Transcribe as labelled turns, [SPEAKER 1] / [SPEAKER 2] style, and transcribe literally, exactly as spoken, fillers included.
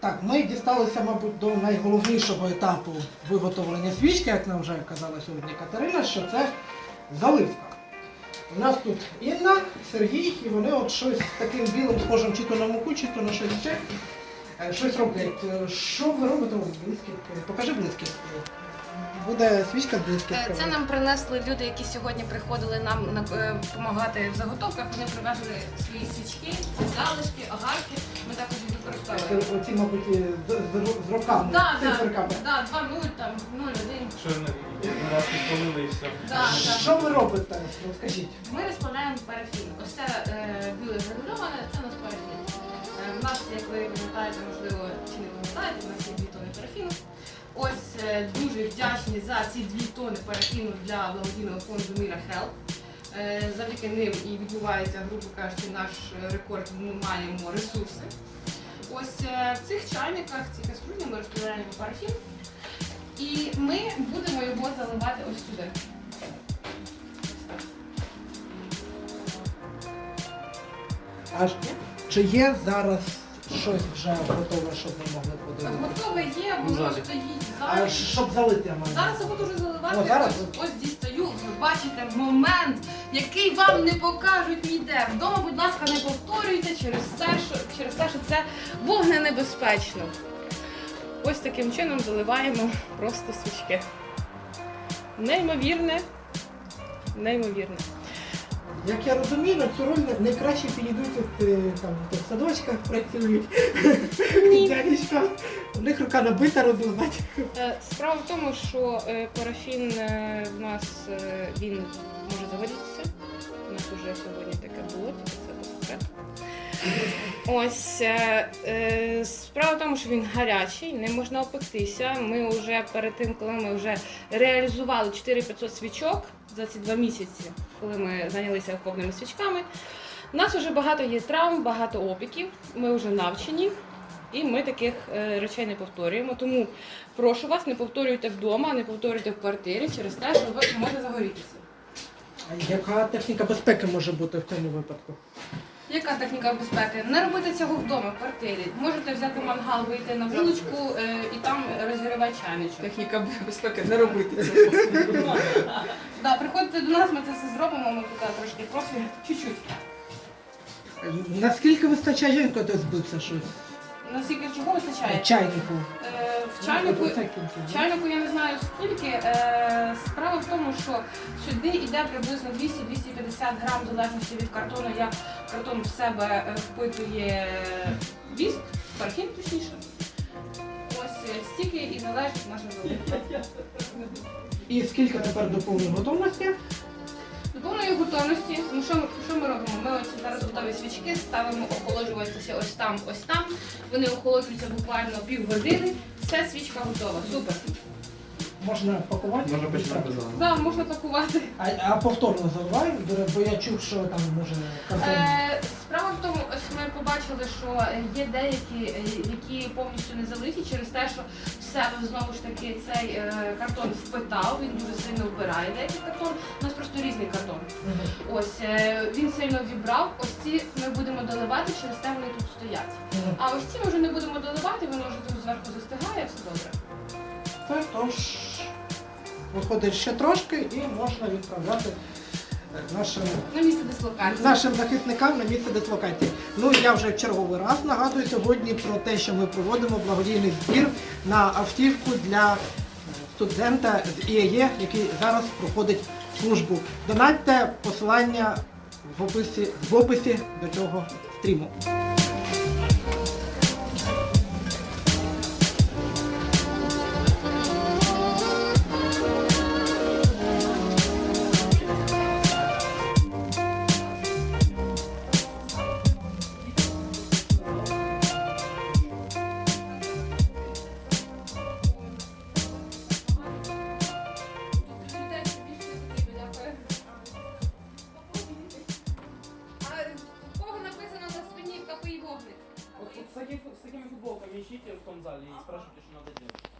[SPEAKER 1] Так, ми дісталися, мабуть, до найголовнішого етапу виготовлення свічки, як нам вже казала сьогодні Катерина, що це заливка. У нас тут Інна, Сергій, і вони от щось таким білим схожим чи то на муку, чи то на щось ще, е, щось роблять. Що ви робите? Блискітки? Покажи блискітки. Буде свічка з блискітками.
[SPEAKER 2] Це нам принесли люди, які сьогодні приходили нам допомагати в заготовках. Вони привезли свої свічки, залишки, огарки. Ми також їх використовуємо.
[SPEAKER 1] Оці, мабуть, з, з, з роками,
[SPEAKER 2] Да,
[SPEAKER 1] циферками.
[SPEAKER 2] да, да, два нуль, там, нуль один.
[SPEAKER 3] Що на вас підпалили і все.
[SPEAKER 2] Да, да.
[SPEAKER 1] Що ви робите? Розкажіть.
[SPEAKER 2] Ми розплавляємо парафін. Ось це е, біле гранульоване, це у нас парафін. Е, у нас, як ви пам'ятаєте, можливо, чи не пам'ятаєте, у нас є дві тони парафіну. Ось е, дуже вдячні за ці дві тони парафіну для благодійного фонду Міра Хелп. Е, завдяки ним і відбувається, грубо кажучи, наш рекорд, ми маємо ресурси. Ось е, в цих чайниках, ці каструлі ми розплавляємо парафін. І ми будемо його заливати ось сюди.
[SPEAKER 1] Аж чи є зараз щось вже готове, щоб ми могли подивитися?
[SPEAKER 2] Готове є, воно
[SPEAKER 3] Залі.
[SPEAKER 2] стоїть
[SPEAKER 1] А
[SPEAKER 2] зараз.
[SPEAKER 1] щоб залити, я маю.
[SPEAKER 2] Зараз я буду вже заливати.
[SPEAKER 1] О, зараз?
[SPEAKER 2] Ось, ось дістаю. Ви бачите момент, який вам не покажуть ніде. Вдома, будь ласка, не повторюйте через те, що, через те, що це вогненебезпечно. Ось таким чином заливаємо просто свічки. Неймовірне, неймовірне.
[SPEAKER 1] Як я розумію, на цю роль найкраще підійдуть от, е, там, хто в садочках працюють.
[SPEAKER 2] Ні.
[SPEAKER 1] Дядечка, у них рука набита розливати.
[SPEAKER 2] Е, Справа в тому, що е, парафін е, в нас е, він може загорітися. У нас вже сьогодні таке було, тільки це по секрету. Ось е, е, справа в тому, що він гарячий, не можна опектися. Ми вже перед тим, коли ми вже реалізували чотири тисячі п'ятсот свічок за ці два місяці, коли ми зайнялися окопними свічками, у нас вже багато є травм, багато опіків, ми вже навчені. І ми таких е, речей не повторюємо. Тому прошу вас, не повторюйте вдома, не повторюйте в квартирі через те, що ви можете загорітися.
[SPEAKER 1] А яка техніка безпеки може бути в цьому випадку?
[SPEAKER 2] Яка техніка безпеки? Не робити цього вдома, в квартирі. Можете взяти мангал, вийти на вуличку е, і там розігрівати чайничок.
[SPEAKER 4] Техніка безпеки не робити цього.
[SPEAKER 2] Да, приходьте до нас, ми це все зробимо, ми тут трошки просимо, чуть-чуть.
[SPEAKER 1] Наскільки вистачає жінка до збитися щось?
[SPEAKER 2] Наскільки чого вистачає?
[SPEAKER 1] Чайнику.
[SPEAKER 2] Е, в чайнику,
[SPEAKER 1] Оце кілька.
[SPEAKER 2] в чайнику я не знаю скільки. Е, справа в тому, що сюди йде приблизно двісті - двісті п'ятдесят грам, в залежності від картону, як картон в себе е, впитує віск, парафін точніше. Ось е, стільки і залежить наша заливка.
[SPEAKER 1] І скільки тепер до повної готовності?
[SPEAKER 2] До повної готовності, ну що, ми- що ми робимо? Ми ось зараз готові свічки, ставимо охолоджуватися ось там, ось там. Вони охолоджуються буквально півгодини. Все, свічка готова. Супер.
[SPEAKER 1] Можна пакувати?
[SPEAKER 3] Можна починати заливати.
[SPEAKER 2] Да, можна пакувати.
[SPEAKER 1] А, а повторно заливаємо, бо я чув, що там може картон.
[SPEAKER 2] Е, справа в тому, ось ми побачили, що є деякі, е, які повністю не залиті через те, що в себе знову ж таки цей е, картон впитав, він дуже сильно вбирає деякий картон. У нас просто різний картон.
[SPEAKER 1] Мгм.
[SPEAKER 2] Ось е, він сильно вібрав. Ось ці ми будемо доливати, через те вони тут стоять.
[SPEAKER 1] Мгм.
[SPEAKER 2] А ось ці ми вже не будемо доливати, воно вже тут зверху застигає, все добре.
[SPEAKER 1] Так, тож виходить ще трошки і можна відправляти нашим,
[SPEAKER 2] На місце дислокації.
[SPEAKER 1] нашим захисникам на місце дислокації. Ну я вже в черговий раз нагадую сьогодні про те, що ми проводимо благодійний збір на автівку для студента з І Е Є, який зараз проходить службу. Донатьте, посилання в описі, в описі до цього стріму.
[SPEAKER 3] Вот с такими футболками ищите в том зале и спрашивайте, что надо делать.